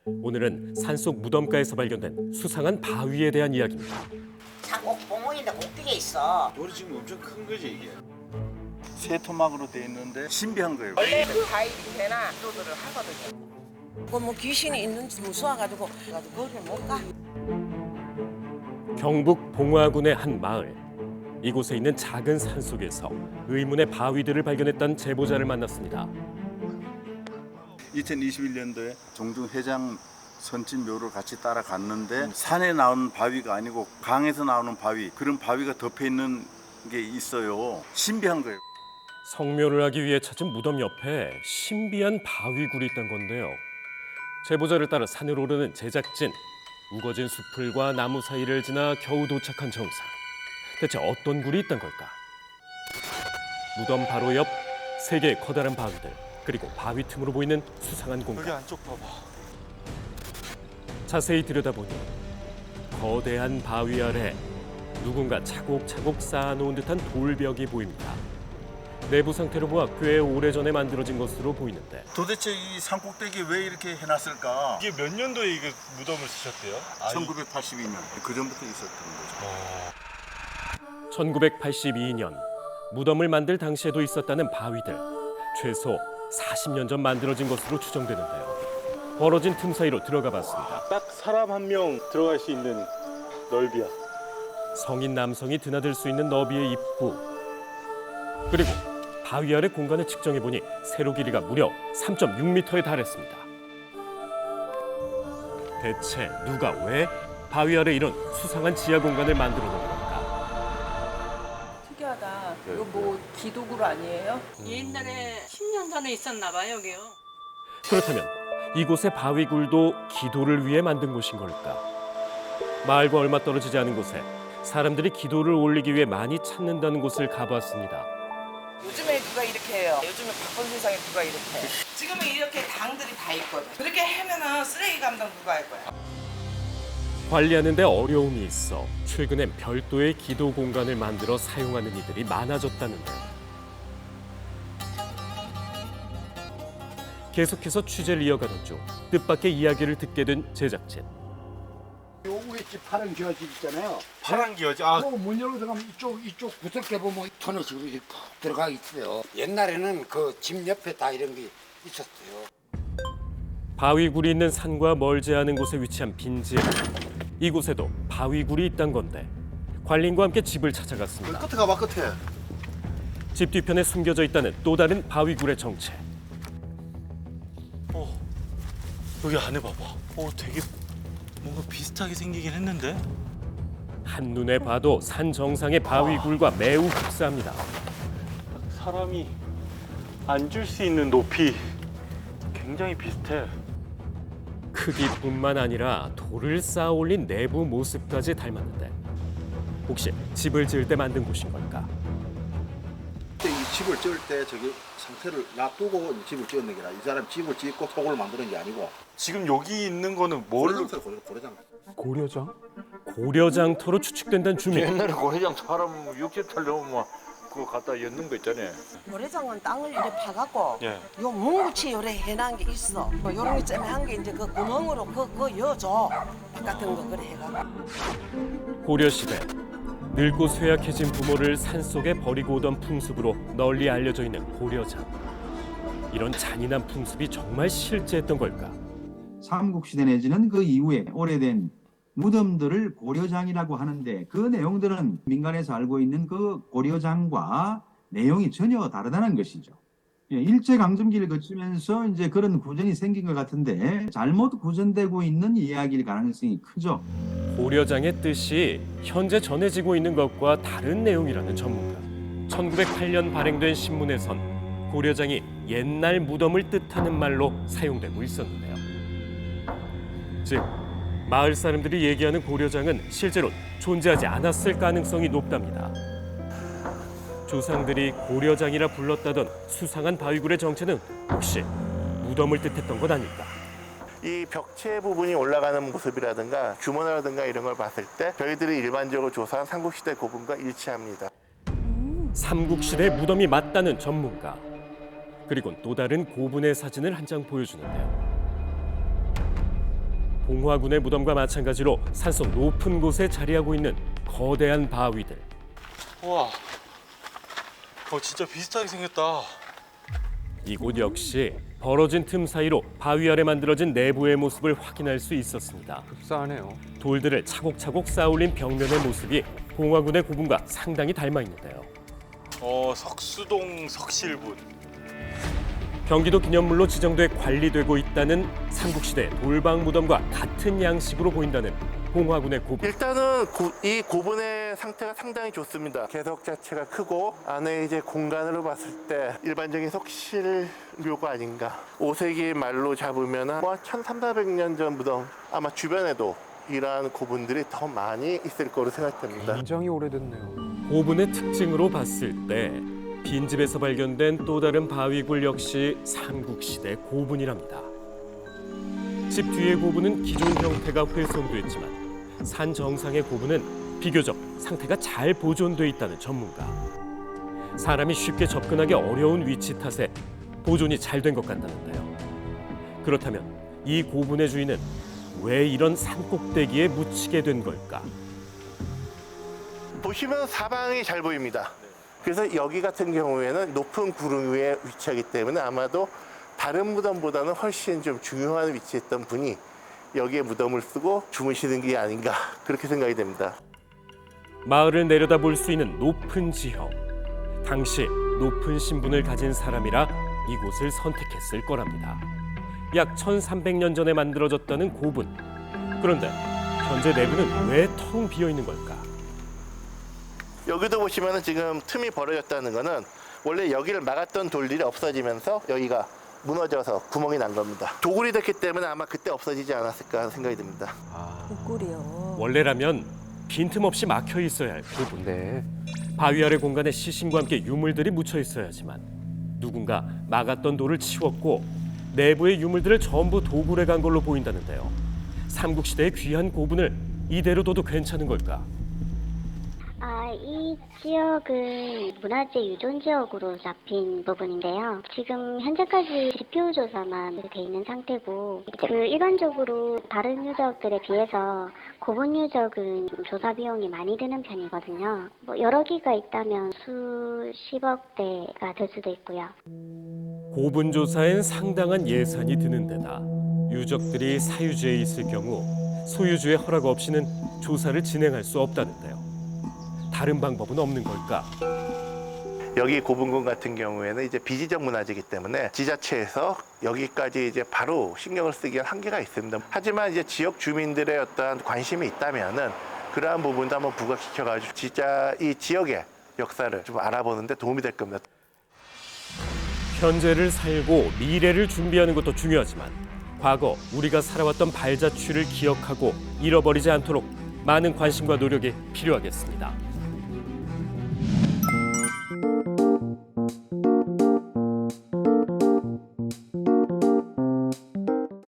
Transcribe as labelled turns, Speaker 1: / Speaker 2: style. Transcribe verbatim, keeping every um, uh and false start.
Speaker 1: 오늘은 산속 무덤가에서 발견된 수상한 바위에 대한 이야기입니다.
Speaker 2: 자꾸 구멍인데 꼭대기에 있어.
Speaker 3: 돌이 지금 엄청 큰 거지 이게.
Speaker 4: 새 토막으로 돼 있는데 신비한 거예요.
Speaker 2: 원래 그 바위 밑에나 기도들을 하거든요. 그뭐 귀신이 있는지 무서워가지고 가지고 거기를 못 가.
Speaker 1: 경북 봉화군의 한 마을. 이곳에 있는 작은 산 속에서 의문의 바위들을 발견했던 제보자를 만났습니다.
Speaker 4: 이천이십일 년도에 종중 회장 선진 묘를 같이 따라갔는데 산에 나오는 바위가 아니고 강에서 나오는 바위, 그런 바위가 덮여 있는 게 있어요. 신비한 거예요.
Speaker 1: 성묘를 하기 위해 찾은 무덤 옆에 신비한 바위굴이 있던 건데요. 제보자를 따라 산을 오르는 제작진. 우거진 숲풀과 나무 사이를 지나 겨우 도착한 정상. 대체 어떤 굴이 있던 걸까? 무덤 바로 옆 세 개의 커다란 바위들, 그리고 바위 틈으로 보이는 수상한 공간.
Speaker 3: 여기 안쪽 봐봐.
Speaker 1: 자세히 들여다보니 거대한 바위 아래 누군가 차곡차곡 쌓아놓은 듯한 돌벽이 보입니다. 내부 상태로 보아 꽤 오래전에 만들어진 것으로 보이는데
Speaker 4: 도대체 이 산꼭대기에 왜 이렇게 해놨을까?
Speaker 3: 이게 몇 년도에 이거 무덤을 쓰셨대요?
Speaker 4: 천구백팔십이 년, 그 전부터 있었던 거죠.
Speaker 1: 천구백팔십이 년 무덤을 만들 당시에도 있었다는 바위들. 최소 사십 년 전 만들어진 것으로 추정되는데요. 벌어진 틈 사이로 들어가 봤습니다.
Speaker 3: 딱 사람 한 명 들어갈 수 있는 넓이야.
Speaker 1: 성인 남성이 드나들 수 있는 너비의 입구. 그리고 바위 아래 공간을 측정해보니 세로 길이가 무려 삼 점 육 미터에 달했습니다. 대체 누가 왜 바위 아래 이런 수상한 지하 공간을 만들어 놓은 걸까?
Speaker 5: 특이하다. 이거 뭐 기도굴 아니에요?
Speaker 6: 옛날에 십 년 전에 있었나 봐요, 여기요.
Speaker 1: 그렇다면 이곳의 바위굴도 기도를 위해 만든 곳인 걸까? 마을과 얼마 떨어지지 않은 곳에 사람들이 기도를 올리기 위해 많이 찾는다는 곳을 가봤습니다.
Speaker 2: 요즘에 누가 이렇게 해요. 요즘에 바쁜 세상에 누가 이렇게 해. 지금은 이렇게 당들이 다 있거든. 그렇게 하면은 쓰레기 감당 누가 할 거야?
Speaker 1: 관리하는 데 어려움이 있어 최근엔 별도의 기도 공간을 만들어 사용하는 이들이 많아졌다는데요. 계속해서 취재를 이어가던 중 뜻밖의 이야기를 듣게 된 제작진.
Speaker 7: 요 위에 집 파란 기와집 있잖아요.
Speaker 3: 파란 기어지. 아,
Speaker 7: 그 문 열고 들어가면 이쪽 이쪽 구석에 보면 터널 식으로 이렇게 푹 들어가 있어요. 옛날에는 그 집 옆에 다 이런 게 있었어요.
Speaker 1: 바위굴이 있는 산과 멀지 않은 곳에 위치한 빈집. 이곳에도 바위굴이 있단 건데 관리인과 함께 집을 찾아갔습니다.
Speaker 4: 끝에 가봐, 끝에.
Speaker 1: 집 뒤편에 숨겨져 있다는 또 다른 바위굴의 정체.
Speaker 3: 어, 여기 안에 봐봐. 어, 되게 뭔가 비슷하게 생기긴 했는데.
Speaker 1: 한눈에 봐도 산 정상의 바위굴과 매우 흡사합니다.
Speaker 3: 사람이 앉을 수 있는 높이 굉장히 비슷해.
Speaker 1: 크기뿐만 아니라 돌을 쌓아 올린 내부 모습까지 닮았는데 혹시 집을 지을 때 만든 곳인 걸까?
Speaker 8: 이 집을 지을 때 저기 상태를 놔두고 집을 지었는 게 아니라 이 사람 집을 짓고 토굴을 만드는 게 아니고
Speaker 3: 지금 여기 있는 거는 뭘로?
Speaker 8: 고려장터예요, 고려장.
Speaker 1: 고려장? 고려장터로 추측된다는 주민.
Speaker 9: 옛날에 고래장 사람 육십 탈 넘으면 그거 갖다 엮는 거 있잖아요.
Speaker 2: 모래장은 땅을 이렇게 파갖고
Speaker 3: 예.
Speaker 2: 요 뭉치 요래 해놓은 게 있어. 뭐 요런 게 쨈한 게 이제 그 구멍으로 그, 그 여줘. 같은 거 그래 해갖고.
Speaker 1: 고려시대 늙고 쇠약해진 부모를 산속에 버리고 오던 풍습으로 널리 알려져 있는 고려장. 이런 잔인한 풍습이 정말 실제했던 걸까?
Speaker 10: 삼국시대 내지는 그 이후에 오래된 무덤들을 고려장이라고 하는데 그 내용들은 민간에서 알고 있는 그 고려장과 내용이 전혀 다르다는 것이죠. 예, 일제강점기를 거치면서 이제 그런 구전이 생긴 것 같은데 잘못 구전되고 있는 이야기일 가능성이 크죠.
Speaker 1: 고려장의 뜻이 현재 전해지고 있는 것과 다른 내용이라는 전문가. 천구백팔 년 발행된 신문에선 고려장이 옛날 무덤을 뜻하는 말로 사용되고 있었는데요. 즉, 마을 사람들이 얘기하는 고려장은 실제로 존재하지 않았을 가능성이 높답니다. 조상들이 고려장이라 불렀다던 수상한 바위굴의 정체는 혹시 무덤을 뜻했던 것 아닐까?
Speaker 9: 이 벽체 부분이 올라가는 모습이라든가 규모라든가 이런 걸 봤을 때 저희들이 일반적으로 조사한 삼국시대 고분과 일치합니다.
Speaker 1: 삼국시대 무덤이 맞다는 전문가. 그리고 또 다른 고분의 사진을 한 장 보여주는데요. 봉화군의 무덤과 마찬가지로 산속 높은 곳에 자리하고 있는 거대한 바위들.
Speaker 3: 우와. 어 진짜 비슷하게 생겼다.
Speaker 1: 이곳 역시 벌어진 틈 사이로 바위 아래 만들어진 내부의 모습을 확인할 수 있었습니다.
Speaker 11: 흡사하네요.
Speaker 1: 돌들을 차곡차곡 쌓아올린 벽면의 모습이 봉화군의 고분과 상당히 닮아 있는데요.
Speaker 3: 어 석수동 석실분.
Speaker 1: 경기도 기념물로 지정돼 관리되고 있다는 삼국시대 돌방 무덤과 같은 양식으로 보인다는 봉화군의 고분.
Speaker 9: 일단은 고, 이 고분의 상태가 상당히 좋습니다. 개석 자체가 크고 안에 이제 공간으로 봤을 때 일반적인 석실묘가 아닌가. 오 세기 말로 잡으면 뭐 천삼사백 년 전 무덤, 아마 주변에도 이러한 고분들이 더 많이 있을 거로 생각됩니다.
Speaker 11: 굉장히 오래됐네요.
Speaker 1: 고분의 특징으로 봤을 때 빈집에서 발견된 또 다른 바위굴 역시 삼국시대 고분이랍니다. 집 뒤의 고분은 기존 형태가 훼손됐지만 산 정상의 고분은 비교적 상태가 잘 보존돼 있다는 전문가. 사람이 쉽게 접근하기 어려운 위치 탓에 보존이 잘 된 것 같다는데요. 그렇다면 이 고분의 주인은 왜 이런 산꼭대기에 묻히게 된 걸까?
Speaker 9: 보시면 사방이 잘 보입니다. 그래서 여기 같은 경우에는 높은 구름 위에 위치하기 때문에 아마도 다른 무덤보다는 훨씬 좀 중요한 위치에 있던 분이 여기에 무덤을 쓰고 주무시는 게 아닌가 그렇게 생각이 됩니다.
Speaker 1: 마을을 내려다볼 수 있는 높은 지형. 당시 높은 신분을 가진 사람이라 이곳을 선택했을 거랍니다. 약 천삼백 년 전에 만들어졌다는 고분. 그런데 현재 내부는 왜 텅 비어 있는 걸까?
Speaker 9: 여기도 보시면 지금 틈이 벌어졌다는 거는 원래 여기를 막았던 돌들이 없어지면서 여기가 무너져서 구멍이 난 겁니다. 도굴이 됐기 때문에 아마 그때 없어지지 않았을까 하는 생각이 듭니다.
Speaker 5: 꿀꿀이요.
Speaker 1: 원래라면 빈틈없이 막혀 있어야 할 고분.
Speaker 11: 네.
Speaker 1: 바위 아래 공간에 시신과 함께 유물들이 묻혀 있어야지만 누군가 막았던 돌을 치웠고 내부의 유물들을 전부 도굴해 간 걸로 보인다는데요. 삼국시대의 귀한 고분을 이대로 둬도 괜찮은 걸까?
Speaker 12: 아, 이 지역은 문화재 유존 지역으로 잡힌 부분인데요. 지금 현재까지 지표 조사만 돼 있는 상태고, 그 일반적으로 다른 유적들에 비해서 고분 유적은 좀 조사 비용이 많이 드는 편이거든요. 뭐 여러 기가 있다면 수십억 대가 될 수도 있고요.
Speaker 1: 고분 조사엔 상당한 예산이 드는 데다 유적들이 사유지에 있을 경우 소유주의 허락 없이는 조사를 진행할 수 없다는데요. 다른 방법은 없는 걸까?
Speaker 9: 여기 고분군 같은 경우에는 이제 비지적 문화재이기 때문에 지자체에서 여기까지 이제 바로 신경을 쓰기엔 한계가 있습니다. 하지만 이제 지역 주민들의 어떠한 관심이 있다면은 그러한 부분도 한번 부각시켜가지고 진짜 이 지역의 역사를 좀 알아보는데 도움이 될 겁니다.
Speaker 1: 현재를 살고 미래를 준비하는 것도 중요하지만 과거 우리가 살아왔던 발자취를 기억하고 잃어버리지 않도록 많은 관심과 노력이 필요하겠습니다.